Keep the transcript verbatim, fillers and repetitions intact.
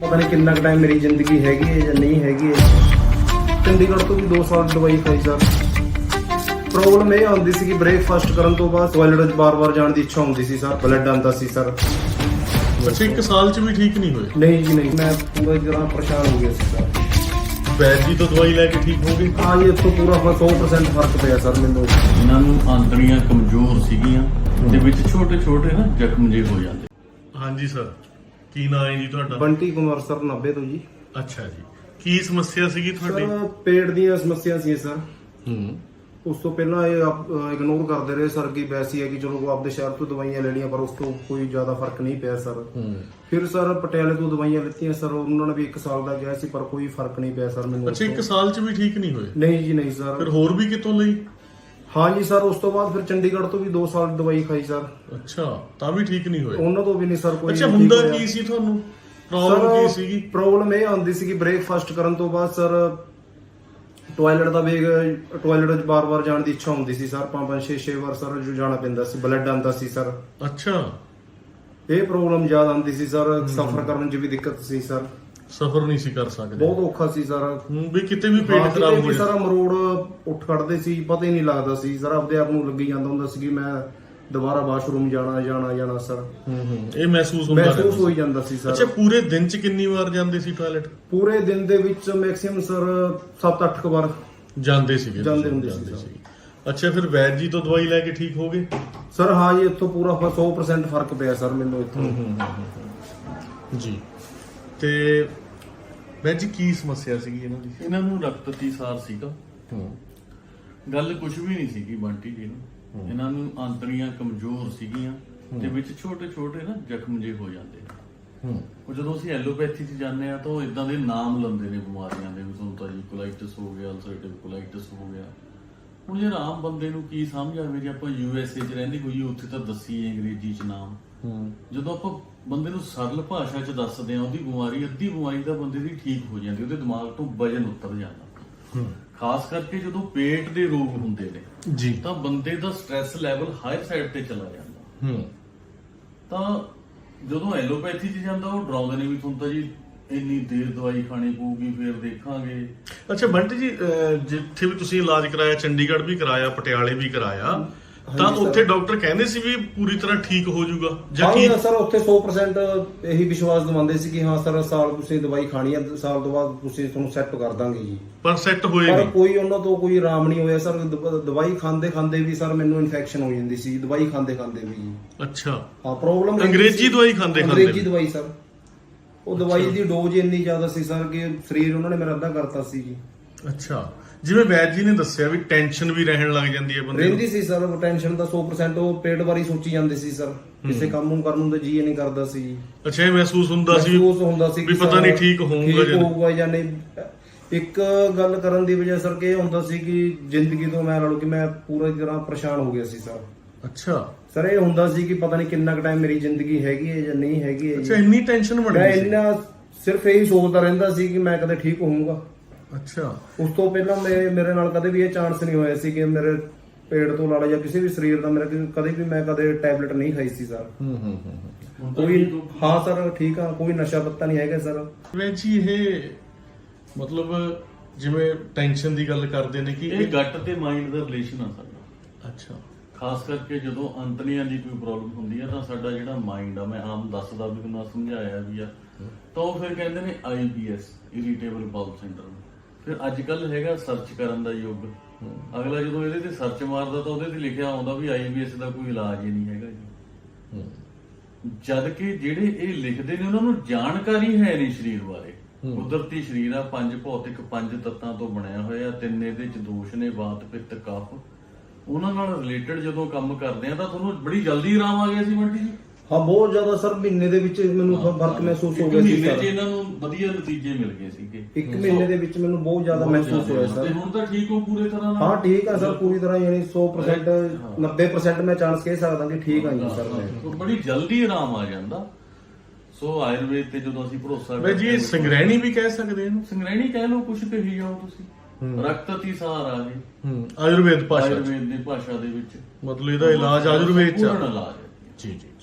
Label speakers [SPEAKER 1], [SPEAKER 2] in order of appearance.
[SPEAKER 1] ਪਤਾ ਨਹੀਂ ਕਿੰਨਾ ਕੁ ਟਾਈਮ ਮੇਰੀ ਜ਼ਿੰਦਗੀ ਹੈਗੀ ਹੈ ਜਾਂ ਨਹੀਂ ਹੈਗੀ ਹੈ। ਚੰਡੀਗੜ੍ਹ ਤੋਂ ਵੀ ਦੋ ਸਾਲ ਦਵਾਈ ਖਾਈ ਸਰ। ਪ੍ਰੋਬਲਮ ਇਹ ਆਉਂਦੀ ਸੀ ਕਿ ਬ੍ਰੇਕਫਾਸਟ ਕਰਨ ਤੋਂ ਬਾਅਦ ਟਾਇਲਟ ਵਿੱਚ ਬਾਰ-ਬਾਰ ਜਾਣ ਦੀ ਇੱਛਾ ਹੁੰਦੀ ਸੀ ਸਰ, ਬਲੱਡ ਆਉਂਦਾ ਸੀ ਸਰ।
[SPEAKER 2] ਅੱਛਾ, ਇੱਕ ਸਾਲ ਚ ਵੀ ਠੀਕ ਨਹੀਂ ਹੋਏ?
[SPEAKER 1] ਨਹੀਂ ਜੀ ਨਹੀਂ, ਮੈਂ ਪੂਰੀ ਤਰ੍ਹਾਂ ਪਰੇਸ਼ਾਨ ਹੋ ਗਿਆ ਸੀ ਸਰ।
[SPEAKER 2] ਵੈਦ ਜੀ ਤੋਂ ਦਵਾਈ ਲੈ ਕੇ ਠੀਕ ਹੋ ਗਏ?
[SPEAKER 1] ਹਾਂ ਜੀ, ਇੱਥੋਂ ਪੂਰਾ ਸੌ ਪਰਸੈਂਟ ਫਰਕ ਪਿਆ ਸਰ ਮੈਨੂੰ।
[SPEAKER 3] ਇਹਨਾਂ ਨੂੰ ਆਂਤੜੀਆਂ ਕਮਜ਼ੋਰ ਸੀਗੀਆਂ ਤੇ ਵਿੱਚ ਛੋਟੇ ਛੋਟੇ ਨਾ ਜ਼ਖਮ ਜਿਹੇ ਹੋ ਜਾਂਦੇ।
[SPEAKER 2] ਹਾਂਜੀ ਸਰ, ਕੀ ਨਾਮ ਹੈ ਜੀ ਤੁਹਾਡਾ?
[SPEAKER 1] ਬੰਟੀ ਕੁਮਾਰ ਸਰ, ਨਾਭੇ ਤੋਂ ਜੀ।
[SPEAKER 2] ਅੱਛਾ ਜੀ, ਕੀ ਸਮੱਸਿਆ ਸੀਗੀ ਤੁਹਾਡੀ?
[SPEAKER 1] ਸਰ ਪੇਟ ਦੀਆਂ ਸਮੱਸਿਆ ਸੀ ਸਰ।
[SPEAKER 2] ਹੂੰ।
[SPEAKER 1] ਉਸ ਤੋਂ ਪਹਿਲਾਂ ਇਹ ਇਗਨੋਰ ਕਰਦੇ ਰਹੇ ਸਰ ਕਿ ਵੈਸੀ ਹੈ ਕਿ ਚਲੋ ਆਪਦੇ ਸ਼ਹਿਰ ਤੋਂ ਦਵਾਈਆਂ ਲੈਣੀਆਂ, ਪਰ ਉਸ ਤੋਂ ਕੋਈ ਜ਼ਿਆਦਾ ਫਰਕ ਨਹੀਂ ਪਿਆ ਸਰ। ਫਿਰ ਸਰ ਪਟਿਆਲੇ ਤੋਂ ਦਵਾਈਆਂ ਲਿੱਤੀਆਂ ਸਰ, ਉਹਨਾਂ ਨੇ ਵੀ ਇੱਕ ਸਾਲ ਦਾ ਕਿਹਾ ਸੀ ਪਰ ਕੋਈ ਫਰਕ ਨਹੀਂ ਪਿਆ ਸਰ ਮੈਨੂੰ।
[SPEAKER 2] ਅੱਛਾ, ਇੱਕ ਸਾਲ ਚ ਵੀ ਠੀਕ ਨਹੀਂ ਹੋਏ?
[SPEAKER 1] ਨਹੀਂ ਜੀ ਨਹੀਂ ਸਰ।
[SPEAKER 2] ਫਿਰ ਹੋਰ ਵੀ ਕਿਤੋਂ ਲਈ?
[SPEAKER 1] ਹਾਂ ਜੀ ਸਰ, ਉਸ ਤੋਂ ਬਾਅਦ ਫਿਰ ਚੰਡੀਗੜ੍ਹ ਤੋਂ ਵੀ ਦੋ ਸਾਲ ਦਵਾਈ ਖਾਈ ਸਰ।
[SPEAKER 2] ਅੱਛਾ, ਤਾਂ ਵੀ ਠੀਕ ਨਹੀਂ ਹੋਏ?
[SPEAKER 1] ਉਹਨਾਂ ਤੋਂ ਵੀ ਨਹੀਂ ਸਰ ਕੋਈ।
[SPEAKER 2] ਅੱਛਾ, ਹੁੰਦਾ ਕੀ ਸੀ ਤੁਹਾਨੂੰ? ਪ੍ਰੋਬਲਮ ਕੀ ਸੀਗੀ?
[SPEAKER 1] ਪ੍ਰੋਬਲਮ ਇਹ ਆਉਂਦੀ ਸੀ ਕਿ ਬ੍ਰੇਕਫਾਸਟ ਕਰਨ ਤੋਂ ਬਾਅਦ ਸਰ ਟਾਇਲਟ ਦਾ ਵੇਗ ਟਾਇਲਟ ਵਿੱਚ ਬਾਰ-ਬਾਰ ਜਾਣ ਦੀ ਇੱਛਾ ਹੁੰਦੀ ਸੀ ਸਰ। ਪੰਜ ਪੰਜ ਛੇ ਛੇ ਵਾਰ ਸਰ ਜਾਣਾ ਪੈਂਦਾ ਸੀ, ਬਲੱਡ ਆਉਂਦਾ ਸੀ ਸਰ।
[SPEAKER 2] ਅੱਛਾ,
[SPEAKER 1] ਇਹ ਪ੍ਰੋਬਲਮ ਜ਼ਿਆਦਾ ਆਉਂਦੀ ਸੀ ਸਰ। ਸਫ਼ਰ ਕਰਨ 'ਚ ਵੀ ਦਿੱਕਤ ਸੀ ਸਰ।
[SPEAKER 2] ਸਫਰ ਨਹੀਂ ਸੀ ਕਰ ਸਕਦੇ?
[SPEAKER 1] ਬਹੁਤ ਔਖਾ ਸੀ ਸਰ।
[SPEAKER 2] ਹੂੰ, ਵੀ ਕਿਤੇ ਵੀ ਪੇਟ ਖਰਾਬ ਹੋ
[SPEAKER 1] ਸਰ, ਮਰੋੜ ਉੱਠ ਖੜਦੇ ਸੀ, ਪਤਾ ਹੀ ਨਹੀਂ ਲੱਗਦਾ ਸੀ ਸਰ। ਆਪਦੇ ਆਪ ਨੂੰ ਲੱਗੀ ਜਾਂਦਾ ਹੁੰਦਾ ਸੀ ਕਿ ਮੈਂ ਦੁਬਾਰਾ ਵਾਸ਼ਰੂਮ ਜਾਣਾ ਜਾਣਾ ਜਾਣਾ ਸਰ।
[SPEAKER 2] ਹੂੰ ਹੂੰ, ਇਹ ਮਹਿਸੂਸ ਹੁੰਦਾ
[SPEAKER 1] ਮਹਿਸੂਸ ਹੋਈ ਜਾਂਦਾ ਸੀ ਸਰ।
[SPEAKER 2] ਅੱਛਾ, ਪੂਰੇ ਦਿਨ ਚ ਕਿੰਨੀ ਵਾਰ ਜਾਂਦੇ ਸੀ ਟਾਇਲਟ?
[SPEAKER 1] ਪੂਰੇ ਦਿਨ ਦੇ ਵਿੱਚ ਮੈਕਸਿਮਮ ਸਰ ਸੱਤ ਅੱਠ ਵਾਰ
[SPEAKER 2] ਜਾਂਦੇ ਸੀਗੇ?
[SPEAKER 1] ਜਾਂਦੇ ਹੁੰਦੇ ਸੀ ਸਰ।
[SPEAKER 2] ਅੱਛਾ, ਫਿਰ ਵੈਦ ਜੀ ਤੋਂ ਦਵਾਈ ਲੈ ਕੇ ਠੀਕ ਹੋ ਗਏ?
[SPEAKER 1] ਸਰ ਹਾਂ ਜੀ, ਇੱਥੋਂ ਪੂਰਾ ਸੌ ਪਰਸੈਂਟ ਫਰਕ ਪਿਆ ਸਰ ਮੈਨੂੰ ਇੱਥੋਂ।
[SPEAKER 2] ਜੀ, ਤੇ ਵੈਦ ਜੀ ਕੀ ਸਮੱਸਿਆ ਸੀਗੀ ਇਹਨਾਂ ਦੀ?
[SPEAKER 3] ਇਹਨਾਂ ਨੂੰ ਰਕਤ ਅਤੀਸਾਰ ਸੀਗਾ। ਗੱਲ ਕੁਝ ਵੀ ਨਹੀਂ ਸੀਗੀ ਬੰਟੀ ਜੀ ਨੂੰ। ਇਹਨਾਂ ਨੂੰ ਆਂਤੜੀਆਂ ਕਮਜ਼ੋਰ ਸੀਗੀਆਂ ਤੇ ਵਿੱਚ ਛੋਟੇ ਛੋਟੇ ਨਾ ਜ਼ਖਮ ਜਿਹੇ ਹੋ ਜਾਂਦੇ। ਉਹ ਜਦੋਂ ਅਸੀਂ ਐਲੋਪੈਥੀ 'ਚ ਜਾਂਦੇ ਆ ਤਾਂ ਉਹ ਇਦਾਂ ਦੇ ਨਾਮ ਲੈਂਦੇ ਨੇ ਬਿਮਾਰੀਆਂ ਦੇ, ਵੀ ਤੁਹਾਨੂੰ ਤਾਂ ਜੀ ਕੋਲਾਈਟਿਸ ਹੋ ਗਿਆ, ਅਲਸਰੇਟਿਵ ਕੋਲਾਈਟਿਸ ਹੋ ਗਿਆ। ਹੁਣ ਯਾਰ ਆਮ ਬੰਦੇ ਨੂੰ ਕੀ ਸਮਝ ਆਵੇ? ਜੇ ਆਪਾਂ ਯੂ ਐਸ ਏ 'ਚ ਰਹਿੰਦੇ ਹੋਈਏ, ਉੱਥੇ ਤਾਂ ਦੱਸੀਏ ਅੰਗਰੇਜ਼ੀ 'ਚ ਨਾਮ। ਜਦੋਂ ਆਪਾਂ ਬੰਦੇ ਨੂੰ ਸਰਲ ਭਾਸ਼ਾ 'ਚ ਦੱਸਦੇ ਆ ਉਹਦੀ ਬਿਮਾਰੀ, ਅੱਧੀ ਬਿਮਾਰੀ ਤਾਂ ਬੰਦੇ ਦੀ ਠੀਕ ਹੋ ਜਾਂਦੀ, ਉਹਦੇ ਦਿਮਾਗ ਤੋਂ ਵਜਨ ਉਤਰ ਜਾਂਦਾ। ਖਾਸ ਕਰਕੇ ਜਦੋਂ ਪੇਟ ਦੇ ਰੋਗ ਹੁੰਦੇ ਨੇ
[SPEAKER 2] ਜੀ,
[SPEAKER 3] ਤਾਂ ਬੰਦੇ ਦਾ ਸਟ੍ਰੈਸ ਲੈਵਲ ਹਾਈ ਸਾਈਡ ਤੇ ਚਲਾ ਜਾਂਦਾ।
[SPEAKER 2] ਹੂੰ,
[SPEAKER 3] ਤਾਂ ਜਦੋਂ ਐਲੋਪੈਥੀ 'ਚ ਜਾਂਦਾ ਉਹ ਡਰਾਉਂਦੇ ਨੇ ਵੀ ਤੁਹਾਨੂੰ ਤਾਂ ਜੀ ਇੰਨੀ ਦੇਰ ਦਵਾਈ ਖਾਣੀ ਪਊਗੀ, ਫਿਰ ਦੇਖਾਂਗੇ।
[SPEAKER 2] ਅੱਛਾ ਬੰਟੀ ਜੀ, ਅਹ ਜਿੱਥੇ ਵੀ ਤੁਸੀਂ ਇਲਾਜ ਕਰਾਇਆ, ਚੰਡੀਗੜ੍ਹ ਵੀ ਕਰਾਇਆ, ਪਟਿਆਲੇ ਵੀ ਕਰਾਇਆ, ਤਾਂ ਉੱਥੇ ਡਾਕਟਰ ਕਹਿੰਦੇ ਸੀ ਵੀ ਪੂਰੀ ਤਰ੍ਹਾਂ ਠੀਕ ਹੋ ਜਾਊਗਾ ਜਾਂ ਕੀ?
[SPEAKER 1] ਹਾਂ ਸਰ, ਉੱਥੇ ਸੌ ਪਰਸੈਂਟ ਇਹੀ ਵਿਸ਼ਵਾਸ ਦਿਵਾਉਂਦੇ ਸੀ ਕਿ ਹਾਂ ਸਰ ਸਾਲ ਤੁਸੀਂ ਦਵਾਈ ਖਾਣੀ ਹੈ, ਸਾਲ ਤੋਂ ਬਾਅਦ ਤੁਸੀਂ ਤੁਹਾਨੂੰ ਸੈੱਟ ਕਰ ਦਾਂਗੇ ਜੀ।
[SPEAKER 2] ਪਰ ਸੈੱਟ ਹੋਏ
[SPEAKER 1] ਪਰ
[SPEAKER 2] ਨਹੀਂ?
[SPEAKER 1] ਕੋਈ ਉਹਨਾਂ ਤੋਂ ਕੋਈ ਆਰਾਮ ਨਹੀਂ ਹੋਇਆ ਸਰ। ਦ- ਦਵਾਈ ਖਾਂਦੇ ਖਾਂਦੇ ਵੀ ਸਰ ਮੈਨੂੰ ਇਨਫੈਕਸ਼ਨ ਹੋ ਜਾਂਦੀ ਸੀ, ਦਵਾਈ ਖਾਂਦੇ ਖਾਂਦੇ ਵੀ ਜੀ।
[SPEAKER 2] ਅੱਛਾ,
[SPEAKER 1] ਹਾਂ, ਪ੍ਰੋਬਲਮ
[SPEAKER 2] ਅੰਗਰੇਜ਼ੀ ਦਵਾਈ ਖਾਂਦੇ ਖਾਂਦੇ?
[SPEAKER 1] ਅੰਗਰੇਜ਼ੀ ਦਵਾਈ ਸਰ। ਉਹ ਦਵਾਈ ਦੀ ਡੋਜ਼ ਇੰਨੀ ਜ਼ਿਆਦਾ ਸੀ ਸਰ ਕਿ ਸਰੀਰ ਉਹਨਾਂ ਨੇ ਮੇਰਾ ਅੱਧਾ ਕਰਤਾ ਸੀ ਜੀ।
[SPEAKER 2] ਅੱਛਾ, ਜਿਵੇਂ ਵੈਦ ਜੀ ਨੇ ਦੱਸਿਆ ਵੀ ਟੈਨਸ਼ਨ ਵੀ ਰਹਿਣ ਲੱਗ ਜਾਂਦੀ ਹੈ ਬੰਦੇ ਨੂੰ?
[SPEAKER 1] ਰਹਿੰਦੀ ਸੀ ਸਰ ਟੈਨਸ਼ਨ ਦਾ ਸੌ ਪਰਸੈਂਟ। ਉਹ ਪੇਟ ਬਾਰੇ ਸੋਚੀ ਜਾਂਦੇ ਸੀ ਸਰ, ਕਿਸੇ ਕੰਮ ਨੂੰ ਕਰਨ ਨੂੰ ਤਾਂ ਜੀ ਨਹੀਂ ਕਰਦਾ ਸੀ।
[SPEAKER 2] ਅੱਛਾ, ਇਹ ਮਹਿਸੂਸ ਹੁੰਦਾ ਸੀ
[SPEAKER 1] ਮਹਿਸੂਸ ਹੁੰਦਾ ਸੀ
[SPEAKER 2] ਵੀ ਪਤਾ ਨਹੀਂ ਠੀਕ ਹੋਊਗਾ
[SPEAKER 1] ਠੀਕ ਹੋਊਗਾ ਜਾਂ ਨਹੀਂ। ਇੱਕ ਗੱਲ ਕਰਨ ਦੀ ਵਜ੍ਹਾ ਸਰ ਕਿ ਇਹ ਹੁੰਦਾ ਸੀ ਕਿ ਜ਼ਿੰਦਗੀ ਤੋਂ ਮੈਂ ਲਾ ਲਓ ਕਿ ਮੈਂ ਪੂਰੀ ਤਰ੍ਹਾਂ ਪਰੇਸ਼ਾਨ ਹੋ ਗਿਆ ਸੀ ਸਰ।
[SPEAKER 2] ਅੱਛਾ
[SPEAKER 1] ਸਰ, ਇਹ ਹੁੰਦਾ ਸੀ ਕਿ ਪਤਾ ਨਹੀਂ ਕਿੰਨਾ ਕੁ ਟਾਈਮ ਮੇਰੀ ਜ਼ਿੰਦਗੀ ਹੈਗੀ ਹੈ ਜਾਂ ਨਹੀਂ ਹੈਗੀ ਹੈ।
[SPEAKER 2] ਅੱਛਾ, ਇੰਨੀ ਟੈਨਸ਼ਨ ਬਣ
[SPEAKER 1] ਮੈਂ
[SPEAKER 2] ਗਈ ਸੀ?
[SPEAKER 1] ਇੰਨਾ ਸਿਰਫ ਇਹੀ ਸੋਚਦਾ ਰਹਿੰਦਾ ਸੀ ਕਿ ਮੈਂ ਕਦੇ ਠੀਕ ਹੋਊਂਗਾ।
[SPEAKER 2] ਅੱਛਾ, ਉਸ
[SPEAKER 1] ਉਸ ਤੋਂ ਪਹਿਲਾਂ ਮੇਰੇ ਮੇਰੇ ਨਾਲ ਕਦੇ ਵੀ ਇਹ ਚਾਂਸ ਨਹੀਂ ਹੋਇਆ ਸੀ ਕਿ ਮੇਰੇ ਪੇਟ ਤੋਂ ਲਾੜਾ ਜਾਂ ਕਿਸੇ ਵੀ ਸਰੀਰ ਦਾ ਮੇਰਾ ਕਦੇ ਵੀ ਮੈਂ ਕਦੇ ਟੈਬਲੇਟ ਨਹੀਂ ਖਾਈ ਸੀ ਸਰ।
[SPEAKER 2] ਹੂੰ ਹੂੰ ਹੂੰ
[SPEAKER 1] ਕੋਈ ਹਾਂ ਸਰ, ਠੀਕ ਆ, ਕੋਈ ਨਸ਼ਾ ਪੱਤਾ ਨਹੀਂ ਹੈਗਾ ਸਰ।
[SPEAKER 2] ਵੈਦ ਜੀ, ਇਹ ਮਤਲਬ ਜਿਵੇਂ ਟੈਨਸ਼ਨ ਦੀ ਗੱਲ ਕਰਦੇ ਨੇ ਕਿ
[SPEAKER 3] ਇਹ ਗੱਟ ਤੇ ਮਾਈਂਡ ਦਾ ਰਿਲੇਸ਼ਨ ਆ ਸਾਡਾ।
[SPEAKER 2] ਅੱਛਾ,
[SPEAKER 3] ਖਾਸ ਕਰਕੇ ਜਦੋਂ ਅੰਤੜੀਆਂ ਦੀ ਕੋਈ ਪ੍ਰੋਬਲਮ ਹੁੰਦੀ ਆ ਤਾਂ ਸਾਡਾ ਜਿਹੜਾ ਮਾਈਂਡ ਆ, ਮੈਂ ਆਮ ਦੱਸਦਾ ਵੀ ਤੁਹਾਨੂੰ ਸਮਝਾਇਆ ਵੀ ਆ, ਤਾਂ ਉਹ ਫਿਰ ਕਹਿੰਦੇ ਨੇ I B S, irritable bowel syndrome. ਫਿਰ ਅੱਜ ਕੱਲ ਹੈਗਾ ਸਰਚ ਕਰਨ ਦਾ ਯੁੱਗ। ਅਗਲਾ ਜਦੋਂ ਇਹਦੇ ਤੇ ਸਰਚ ਮਾਰਦਾ ਤਾਂ ਉਹਦੇ ਤੇ ਲਿਖਿਆ ਆਉਂਦਾ ਵੀ ਆਈ ਬੀ ਐਸ ਦਾ ਕੋਈ ਇਲਾਜ ਹੀ ਨਹੀਂ ਹੈਗਾ ਜੀ। ਜਦ ਕਿ ਜਿਹੜੇ ਇਹ ਲਿਖਦੇ ਨੇ ਉਹਨਾਂ ਨੂੰ ਜਾਣਕਾਰੀ ਹੈ ਨਹੀਂ ਸਰੀਰ ਬਾਰੇ। ਕੁਦਰਤੀ ਸਰੀਰ ਆ, ਪੰਜ ਭੌਤਿਕ ਪੰਜ ਤੱਤਾਂ ਤੋਂ ਬਣਿਆ ਹੋਇਆ, ਤਿੰਨ ਇਹਦੇ ਚ ਦੋਸ਼ ਨੇ, ਵਾਤ ਪਿੱਤ ਕਫ। ਉਹਨਾਂ ਨਾਲ ਰਿਲੇਟਡ ਜਦੋਂ ਕੰਮ ਕਰਦੇ ਆ ਤਾਂ ਤੁਹਾਨੂੰ ਬੜੀ ਜਲਦੀ ਆਰਾਮ ਆ ਗਿਆ ਸੀ ਬੰਟੀ ਜੀ?
[SPEAKER 1] ਹਾਂ, ਬਹੁਤ ਜ਼ਿਆਦਾ ਸਰ। ਮਹੀਨੇ ਦੇ ਵਿੱਚ ਮੈਨੂੰ ਫਰਕ ਮਹਿਸੂਸ ਹੋ ਗਿਆ ਸੀ
[SPEAKER 3] ਮਹੀਨੇ
[SPEAKER 1] ਸਰ।
[SPEAKER 3] 'ਚ ਇਹਨਾਂ ਨੂੰ ਵਧੀਆ ਨਤੀਜੇ ਮਿਲ ਗਏ ਸੀਗੇ।
[SPEAKER 1] ਇੱਕ ਮਹੀਨੇ ਦੇ ਵਿੱਚ ਮੈਨੂੰ ਬਹੁਤ ਜ਼ਿਆਦਾ ਮਹਿਸੂਸ ਹੋਇਆ ਸਰ।
[SPEAKER 3] ਤੇ ਹੁਣ ਤਾਂ ਠੀਕ ਹੋ ਪੂਰੇ ਤਰ੍ਹਾਂ ਨਾਲ?
[SPEAKER 1] ਹਾਂ ਠੀਕ ਆ ਸਰ, ਪੂਰੀ ਤਰ੍ਹਾਂ, ਯਾਨੀ ਸੌ ਪਰਸੈਂਟ ਨੱਬੇ ਪਰਸੈਂਟ ਮੈਂ ਚਾਂਸ ਕਹਿ ਸਕਦਾ ਕਿ ਠੀਕ ਆ ਜੀ ਸਰ ਮੈਂ।
[SPEAKER 3] ਬੜੀ ਜਲਦੀ ਆਰਾਮ ਆ ਜਾਂਦਾ। ਸੋ ਆਯੁਰਵੇਦ ਤੇ ਜਦੋਂ ਅਸੀਂ ਭਰੋਸਾ
[SPEAKER 2] ਵੈਦ ਜੀ, ਸੰਗ੍ਰਹਿਣੀ ਵੀ ਕਹਿ ਸਕਦੇ ਇਹਨੂੰ?
[SPEAKER 3] ਸੰਗ੍ਰਹਿਣੀ ਕਹਿ ਲਓ, ਕੁਛ ਕਹੀ ਜਾਓ ਤੁਸੀਂ। ਰਕਤ ਅਤੀਸਾਰ ਆ ਜੀ,
[SPEAKER 2] ਹੂੰ, ਆਯੁਰਵੇਦ ਭਾਸ਼ਾ?
[SPEAKER 3] ਆਯੁਰਵੇਦ ਦੀ ਭਾਸ਼ਾ ਦੇ ਵਿੱਚ
[SPEAKER 2] ਮਤਲਬ ਇਹਦਾ ਇਲਾਜ ਆਯੁਰਵੇਦ ਚ?
[SPEAKER 3] ਪੂਰਨ ਇਲਾਜ ਹੈ
[SPEAKER 2] ਜੀ ਜੀ।